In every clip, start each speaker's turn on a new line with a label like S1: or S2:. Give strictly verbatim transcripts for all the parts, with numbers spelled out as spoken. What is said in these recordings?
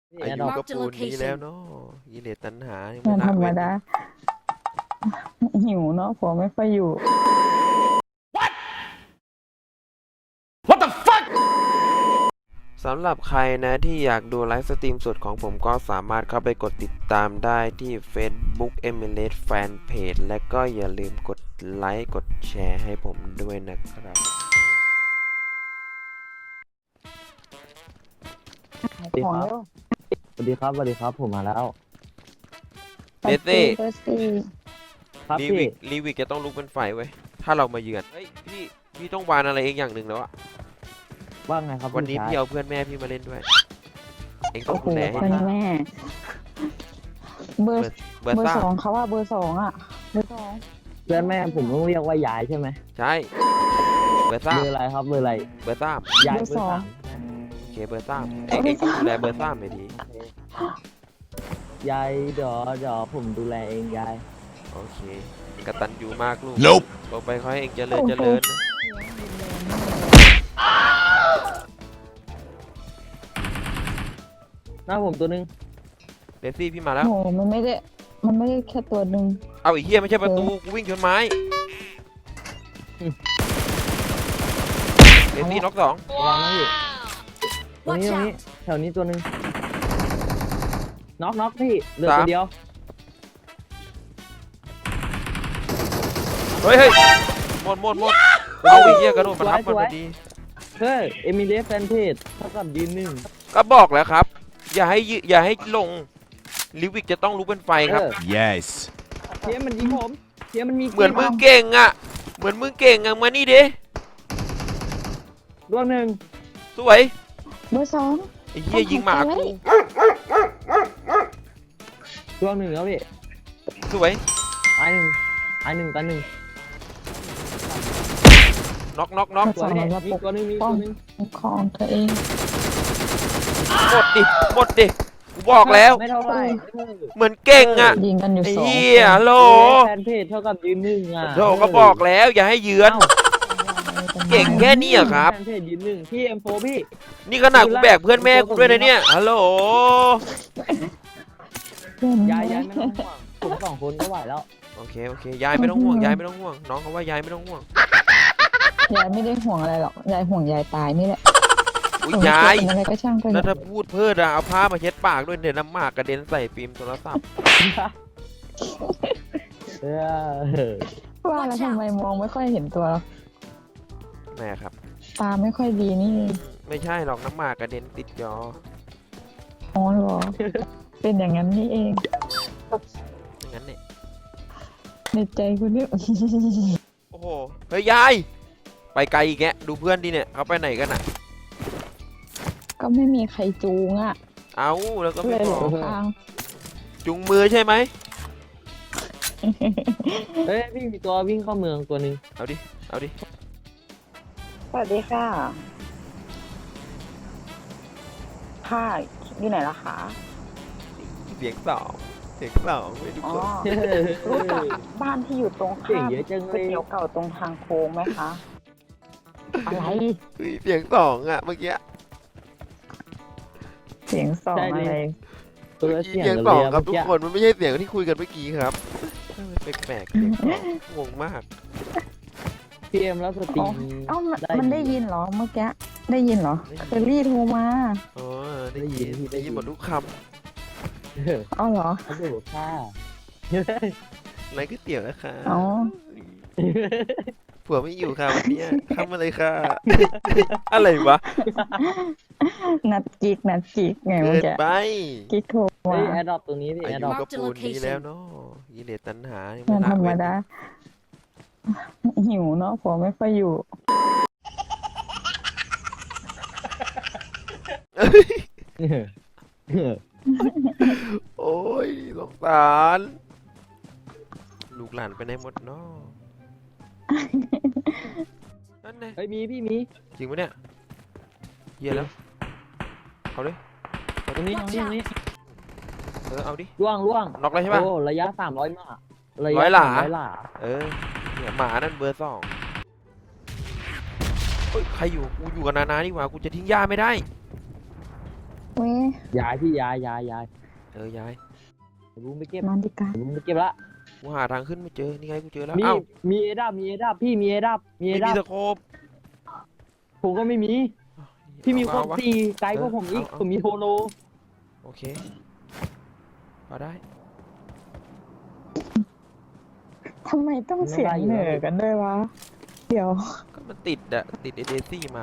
S1: อายุก็ปูนนี้แล้วเนาะกิเลสตัณหาไม่
S2: มัน
S1: ละ
S2: ธรรม
S1: เว้น
S2: ดาหิวเนาะผมไม่ค่อยอยู่
S1: สำหรับใครนะที่อยากดูไลฟ์สตรีมสดของผมก็สามารถเข้าไปกดติดตามได้ที่ Facebook เอมิเลส Fanpage และก็อย่าลืมกดไลค์กดแชร์ให้ผมด้วยนะครับ
S3: สวัสดีครับ สวัสดีครับ สวัสดีครับ ผมมาแล้ว
S1: เบสซี่
S2: เบสซี่
S3: ครับ
S1: ลี
S3: พี่
S1: วิกลีวิกจะต้องลุกเป็นไฟเว้ยถ้าเรามาเยือนเฮ้ยพี่พี่ต้องวานอะไรเองอย่างหนึ่งแล้วอะ
S3: ว่าไงครับ
S1: วันนี้
S3: ชาย
S1: พี่เอาเพื่อนแม่พี่มาเล่นด้วย เองต้อ
S2: โอ้
S1: ง
S2: โห
S1: ดูแลให้
S2: คน
S1: ดี
S2: แม่ เบอร์
S1: เบอร์
S2: เบอร์
S1: ซ่า
S2: สองเขาว่าเบอร์สองอ่ะเบอร์สอง
S3: เพื่อนแม่ผมต้องเรียกว่ายายใช่ไหม
S1: ใช่เบอร์ซ่า
S3: เบอร์อะไรครับ เบอร์อะไร
S1: เบอร์ซ่าย
S3: ายเบอร์สาม
S1: โอเคเบอร์ซ่าเองเองต้องดูแลเบอร์ซ่าหน่อยดี
S3: ยายเดี๋ยวเดี๋ยวผมดูแลเองยาย
S1: โอเคกตัญญูมากลูก
S4: Nope
S1: ต่อไปขอให้เองเจริญเจริญนะ
S3: หน้าผมตัวนึง
S1: เดซี่พี่มาแล้ว
S2: โอ้โหมันไม่ได้มันไม่ได้แค่ตัวหนึ่ง
S1: เอาอีกเฮียไม่ใช่ประตูกูวิ่งชนไม้เดซี่น็อกสอง
S3: ระวังนะพี่ตรงนี้ตรงนี้แถวนี้ตัวนึงน็อกน็อกพี่เหลือตัวเดียว
S1: เฮ้ยเฮ้ยหมดหมดหมดเอาอีกเฮียกระโดดมาทับมันพอดี
S3: เฮ้ยเอมิเลียแฟนเพจเท่ากับยืนหนึ่ง
S1: ก็บอกแล้วครับ อย่าให้ยือย่าให้ลงลิวิกจะต้องลุกเป็นไฟครับ
S3: เออ
S4: Yes
S3: เทียมมันยิงผมเทียมมันมี
S1: เหมือนมึงเก่งอ่ะเหมือนมึงเก่งอ่ะมานี่ดิ
S3: ดวงหนึ่ง
S1: สวย
S2: เบอร์สอง
S1: ไอ้เฮียยิงหมากู
S3: ดวงหนึ่งแล้วพี่
S1: สวย
S3: ตายหนึ่งตายหนึ่งตายหนึ่ง
S1: น็อกน็อกน็อก
S3: ตัวนี้มีตัวหนึงมีตัวหนึง
S2: ของตัวเอง
S1: หมดดิหมดดิกูบอกแล้ว
S3: ไม่เท่าไหร่
S1: เหมือนเก่งอ่ะ
S2: ยิงกันอยู่
S1: ไอ้
S2: สอง
S1: เฮียฮัลโหล
S3: แฟนเพจเท่ากับยืนหนึ่งอ่ะ
S1: โธ่ก็บอกแล้วอย่าให้เยือน เก่งแค่นี้เหรอครับ
S3: แฟนเพจยืนหนึ่งพี่เอ็มโฟพี่
S1: นี่ขนาดกูแบกเพื่อนแม่กูด้วยนะเนี่ยฮัลโหล
S3: ยายยายไม่ต้องห่วงผมสองคนก็ไหวแล้ว
S1: โอเคโอเคยายไม่ต้องห่วงยายไม่ต้องห่วงน้องเขาว่ายายไม่ต้องห่วง
S2: ยายไม่ได้ห่วงอะไรหรอกยายห่วงยายตายนี่แหละ
S1: อุ้ยยาย
S2: เป็นอะไรก็ช่างไป
S1: แล้วถ้าพูดเพิ่ดอะเอาผ้ามาเช็ดปากด้วยเดี๋ยวน้ำหมากกระเด็นใส่ฟิล์มโทรศัพท์
S3: เออ
S2: ว่าแล้วทำไมมองไม่ค่อยเห็นตัว
S1: แม่ครับ
S2: ตาไม่ค่อยดีนี่
S1: ไม่ใช่หรอกน้ำหมากกระเด็นติดจอ
S2: อ๋อเหรอ เป็นอย่างนั้นนี่เอง
S1: อย่างนั้นเนี่ย
S2: ในใจคุณนี่
S1: โอ้โหเฮ้ยยายไปไกลอีกแกดูเพื่อนดิเนี่ยเขาไปไหนกันอะ
S2: ก็ไม่มีใครจูงอ่ะ
S1: เอาแล้วก็
S2: เล
S1: ไม่
S2: ย
S1: บ
S2: หล
S1: อก
S2: งทาง
S1: จุงมือใช่ไหม
S3: เฮ้ยพี่มีตัววิ่งเข้าเมืองตัวหนึ่ง
S1: เอาดิเอาดิ
S5: สวัสดีค่ะ ค่ะอยู่ไหนล่ะคะ
S1: เสียงสองเสียงสองไม่ทุก
S5: อ๋อ
S1: คน
S5: รู้จักบ้านที่อยู่ตรง
S3: เก่ง
S5: ข้าม
S3: เยอะจังเล
S5: ก๋วย
S3: ย
S5: เตี๋ยวเก่าตรงทางโค้งไหมคะ
S2: อะไร
S1: เฮ้ยเสียงสองอะเมื่อกี้
S2: เสียงสองอะไร
S3: ตัว
S1: เมื่อ
S3: เสี
S1: กี้
S3: ยง
S1: เสียง
S3: กัน
S1: ส
S3: เล
S1: อง
S3: ย
S1: ครับ
S3: เมื่อ
S1: ทุก
S3: กี้
S1: คนมันไม่ใช่เสียงที่คุยกันเมื่อกี้ครับแปลกๆเสียงสองงงมาก
S3: พี่เอ็มแล้วสตรีม
S2: เอ้ามัน
S3: ได้
S2: มันได้ยินเหรอเมื่อกี้ได้ยินเหรอเคอรี่โทรมา
S1: อ๋อได้ยินได้ยินหมดทุกค
S3: เออ
S2: เอ้าเหรอ
S3: เขาดูค่า
S1: ำอะไรก๋วยเตี๋ยวนะคะ
S2: อ๋อ
S1: ผัวไม่อยู่ค่ะวันเนี้ยเข้ามาเลยค่ะ อะไรวะ
S2: นัดจิกนัดจิกไง
S1: เกิ
S2: เมื่อน กี้
S1: ไป
S2: กิ๊กโทร
S3: เฮ้
S2: มาย
S3: แอดดอปตรงนี้พี่
S1: อา
S3: แอด
S1: ยุ
S3: ดอป
S1: ก็ปูนนี้แล้วเนาะกิเลสตัณหาไม่
S2: มัน
S1: ละ
S2: ธรรม
S1: เว้น
S2: ดาหิวเนาะผมไม่ค่อยอยู่
S1: โอ้ยสงสารลูกหลานไปไหนหมดเนาะนั่นไง
S3: เฮ้ยมีพี่มี
S1: จริงปะเนี่ยเฮียแล้วเอาดิ
S3: ตรงนี้ตรงนี้ตรงนี้
S1: เออเอาดิ
S3: ล่วงล่วง
S1: น็อกเลยใช่ปะ
S3: โอ้ระยะสามร้อยมาระ
S1: ร้
S3: ยะ
S1: อยหลา
S3: สามร้อยหลา
S1: เออเนี่ยหมานั่นเบอร์สองเฮ้ยใครอยู่กูอยู่กับนานานี่หว่ากูจะทิ้งย่าไม่ได้
S2: โอ้เว้ย
S3: ย้ายพี่ย้ายย้ายย้าย
S1: เออยาย
S3: ไอ้บูมไปเก็บ
S2: นอนดีกัน
S3: ไอ้บูมไปเก็บละ
S1: กูหาทางขึ้นไม่เจอนี่ไงกูเจอแล้ว
S3: มี
S1: เอ้า
S3: มีเอดับมีเอดับพี่มีเอดับมีเอ
S1: ไม่
S3: ดั
S1: มี
S3: บ
S1: สโคป
S3: ผมก็ไม่มีพี่มีค
S1: เอ
S3: วาม
S1: วะ
S3: ตีไกลกว่าผมอีก
S1: เอาเอา
S3: ผมมีโฮโล
S1: โอเคพอได้
S2: ทำไมต้องเสียงเหนือกันด้วยวะ เดี๋ยว
S1: ก็มันติดอะติดเอเดซี่มา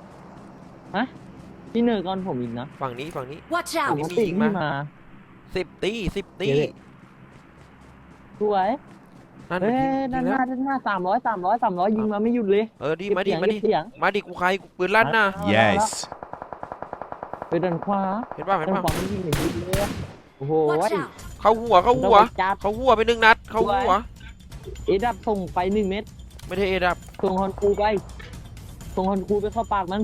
S3: พี่เนอร์ก่อนผมอีกนะ
S1: ฝั่งนี้ฝั่งนี้
S4: Watch
S3: ผม
S4: out!
S3: ก็ติดพี่มา
S1: สิบตีสิบตี
S3: เดี๋ยว สวย
S1: นั่น
S3: เฮ้
S1: มัน
S3: ย
S1: ยิง
S3: ด้าน
S1: ยิง
S3: ห
S1: แล้
S3: น้าว ด้านหน้าสามร้อยสามร้อยสามร้อยยิงมาไม่หยุดเลย
S1: เออดี
S3: เก็บ
S1: มาดิ
S3: เสียง
S1: มา
S3: เก็
S1: ดิ
S3: บเสียง
S1: มาดิกูใครกูปืนลั่นนะ
S6: Yes
S3: ไปด้านขวา
S1: เห็นป่ะเห็น
S3: ด้าน
S1: ป่ะ
S3: ขวามันยิงไม่หยุดเลยโอ้โห
S4: Watch out!
S1: เข้าหัวเข้าหัว
S3: จัด
S1: เข้าหัวไปหนึ่งนัดเข้าหัว
S3: เอดับส่งไปหนึ่งเม็ด
S1: ไม่ได้เอดับ
S3: ส่งฮอนคูไปส่งฮอนคูไปเข้าปากมัน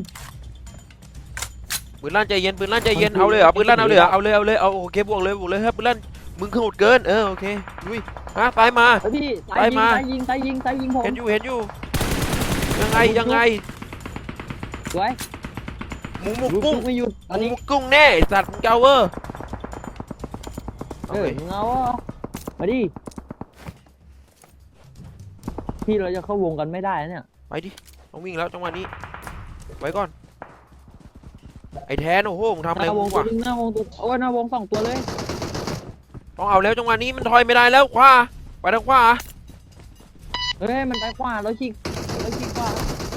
S1: ปืนลั่นใจเย็นปืนลั่นใจเย็น
S3: มันคือ
S1: เอาเลยเหรอ
S3: มันคือ
S1: ปืนลั่นเอาเลยเหรอเอาเลยเอาเลยเอาโอเคบวกเลยบวกเลยครับปืนลั่นมึงขมุดเกินเออโอเคลุยฮะตายมา
S3: เฮ้ยพี่
S1: ไป
S3: สายยิง
S1: มา
S3: สายยิงสายยิงสายยิงผม
S1: เห็นอยู่เห็นอยู่ยังไงยังไง
S3: สวย
S1: หมูหมู
S3: ลูก
S1: กุ้ง
S3: ทุกไม่หยุด
S1: ห
S3: อัน
S1: มู
S3: นี้
S1: กุ้งแน่ไอ้สัตว์มึงเจ้าเวอร์
S3: เอ
S1: เอา
S3: อ
S1: ไป
S3: มึงเอาอ่ะมาดิพี่เราจะเข้าวงกันไม่ได้นะเนี่ย
S1: ไปดิต้องวิ่งแล้วจังหวะนี้ไว้ก่อนไอ้แทนโอ้โหมึงทำ
S3: ห
S1: อะไร
S3: น้าว
S1: กู
S3: งตัว
S1: วะ
S3: นึงหน้าวงตัวโอ้ยหน้าวงสองตัวเลย
S1: ต้องเอาแล้วจังหวะนี้มันถอยไม่ได้แล้วขวาไปทางขวา
S3: เฮ้ยมันไปขวาแล้วชิกแล้วชิกขวา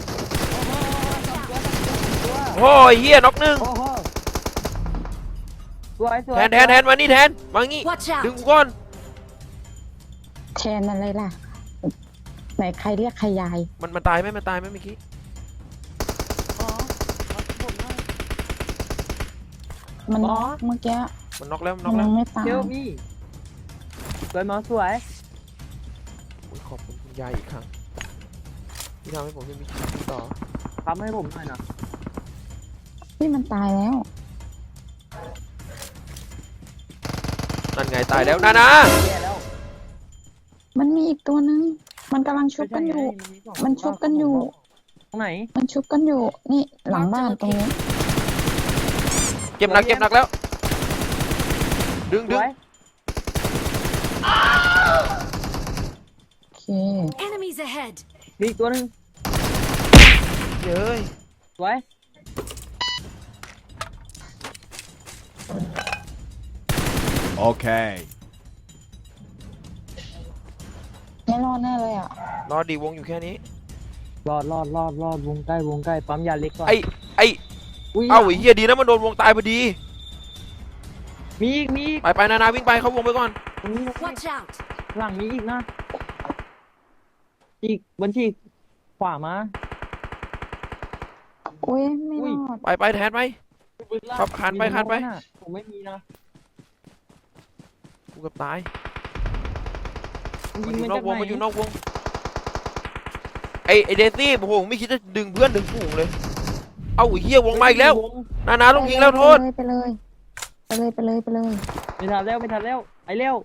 S3: โอ้โหสองตัวสองตัวสองตัว
S1: โอ้ยเฮียน็อกหนึ่ง
S3: โอ้โหสวยสวย
S1: แทนแทนแทนมานี่แทนมางี้
S4: Watch
S1: ดึง
S4: out!
S1: กูก่อน
S2: แทนอะไรล่ะ ไหนใครเรียกใครยาย
S1: มันมันตายไหมมันตายไหมเมื่อกี้
S3: อ๋อรับผมหน่อย
S2: มัน
S3: อ๋อ
S2: เมื่อกี้
S1: มันน็อกแล้วมันน็
S2: มั
S1: อน กแล้
S2: ยั
S1: ว
S2: งไม่ตาย
S3: เชลมี่สวยหมอสวย
S1: อุ๊ยขอบคุณคุณยายอีกครั้งที่ทำให้ผมได้มีชีวิตอยู่ต่อ
S3: ทำให้ผมหน่อยนะ
S2: นี่มันตายแล้ว
S1: นั่นไงตายแล้วนะนะ
S3: แย่แล้ว
S2: มันมีอีกตัวนึง มันกำลังชุบกันอยู่ มันชุบกันอยู่
S3: ตรงไหน
S2: มันชุบกันอยู่ นี่หลังบ้านตรงนี้
S1: เจ็บหนักเจ็บหนักแล้ว ดึง
S3: ส
S1: ดึง
S3: วย
S2: โอเค
S4: Enemies ahead!
S3: มีอีกตัวหนึ่ง
S1: เย้ย
S3: สวย
S6: Okay
S2: ไม่รอดแน่เลยอ่ะ
S1: รอดีวงอยู่แค่นี้
S3: รอดรอดรอดรอดวงใกล้วงใกล้ปั๊มยาเล็กก่อน
S1: ไอ้ไอ้
S3: อุ้ย
S1: เอ้าไอ้เฮียดีนะมันโดนวงตายพอดี
S3: มีอีกมีอีก
S1: ไปไปนานาวิ่งไปเข้าวงไปก่อน
S3: ตรงนี้ตรงนี้
S4: Watch out!
S3: หลังมีอีกนะอีกบัญชีขวามา
S2: อุ้ยไม่รอด
S1: ไปไปแทนไป ครับคานไปคานไป
S3: ผมไม่มีนะ
S1: กูเกับตาย
S3: มัน
S1: มัน
S3: ยิ
S1: อง ยู่
S3: มาน
S1: อ
S3: จาก
S1: กวง
S3: ไหน
S1: มันอยู่นอกวงไอ้ไอ้เดซี่โอ้โหไม่คิดจะดึงเพื่อนดึงฝูงเลย เอาไอ้เฮียวงมาอีกแล้วนานาต้องยิงแล้วโทษ
S2: ไปเลย ไปเลย ไปเลย ไปเลย
S3: ไม่ทันแล้วไม่ทันแล้วไอ้เร็ว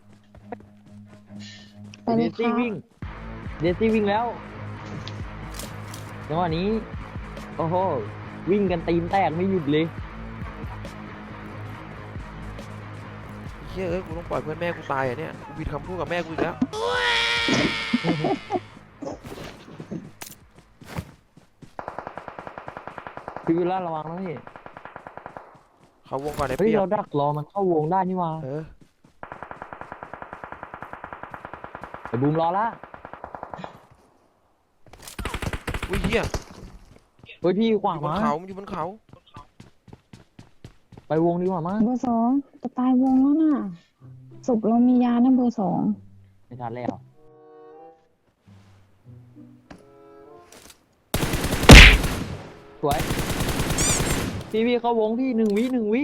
S2: ไปเล
S3: เด
S2: ย
S3: ซี่
S2: ค่ะ
S3: วิ่งเดซี่วิ่งแล้วจังหวะนี้โอ้โหวิ่งกันตีนแตกไม่หยุดเลย
S1: เฮียเอ้ยกูต้องปล่อยเพื่อนแม่กูตายอ่ะเนี่ยกูผิดคำพูดกับแม่กูอีกแล้ว
S3: พี่วิลล่าระวังนะพี่
S1: เขาวงก่อนไอ้
S3: เฮ้ย
S1: เปียก
S3: เราดักรอมันเข้าวงได้นี่หว่า
S1: เออ
S3: ไอ้บูมรอละ
S1: อุ้ยเฮีย
S3: เฮ้ยพี่ข
S1: อ
S3: วาง
S1: ยู่บน
S3: มา
S1: เขามันอยู่บนเขา
S3: ไปวงดีกว่ามั้ง
S2: เบอร์สองจะตายวงแล้วน่ะศพเรามียานะเบอร์สอง
S3: ไม่ทันแล้วสวยพี่พี่เข้าวงพี่หนึ่งวิหนึ่งวิ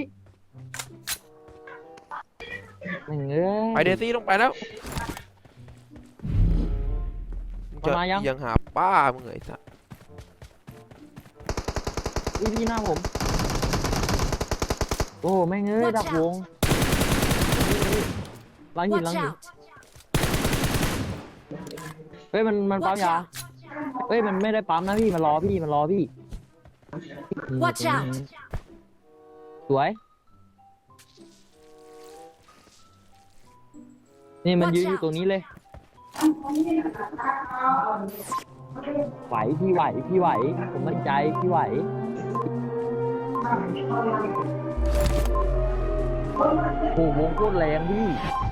S3: หนึ่งเอ้ย
S1: ไปเดซี่ต้องไปแล้วมึงจะ
S3: มายัง
S1: ยังหาป้ามึงเหรอไอ้สัส
S3: อุ้ยพี่หน้าผมโอ้แม่งเอ้ย
S4: Watch
S3: ดักวงหลังหินหลัง
S4: Watch
S3: หิน
S4: out!
S3: เฮ้ยมันมันปั๊ม
S4: Watch
S3: ยา
S4: out!
S3: เฮ้ยมันไม่ได้ปั๊มนะพี่มันรอพี่มันรอพี่
S4: Watch out!
S3: สวยนี่มันยืนอยู่ตรงนี้เลย ไหวพี่ไหวพี่ไหว ผมมั่นใจพี่ไหวโอ้โหวงโคตรแรงพี่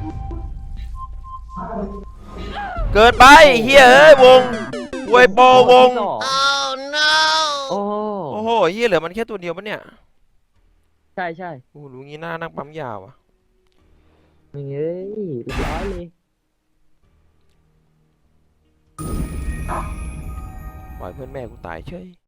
S1: เกิดไปเฮียเอ้ยวงเวยโปวง
S3: โอ้ no โอ้โห
S1: โอ้โหเฮียเหลือมันแค่ตัวเดียวปะเนี่ย
S3: ใช่ใช่
S1: โอ้โหรู้งี้หน้านักปั๊มยาวอ่ะ
S3: เฮ้ยเรียบร้อยเลย
S1: ปล่อยเพื่อนแม่กูตายเฉย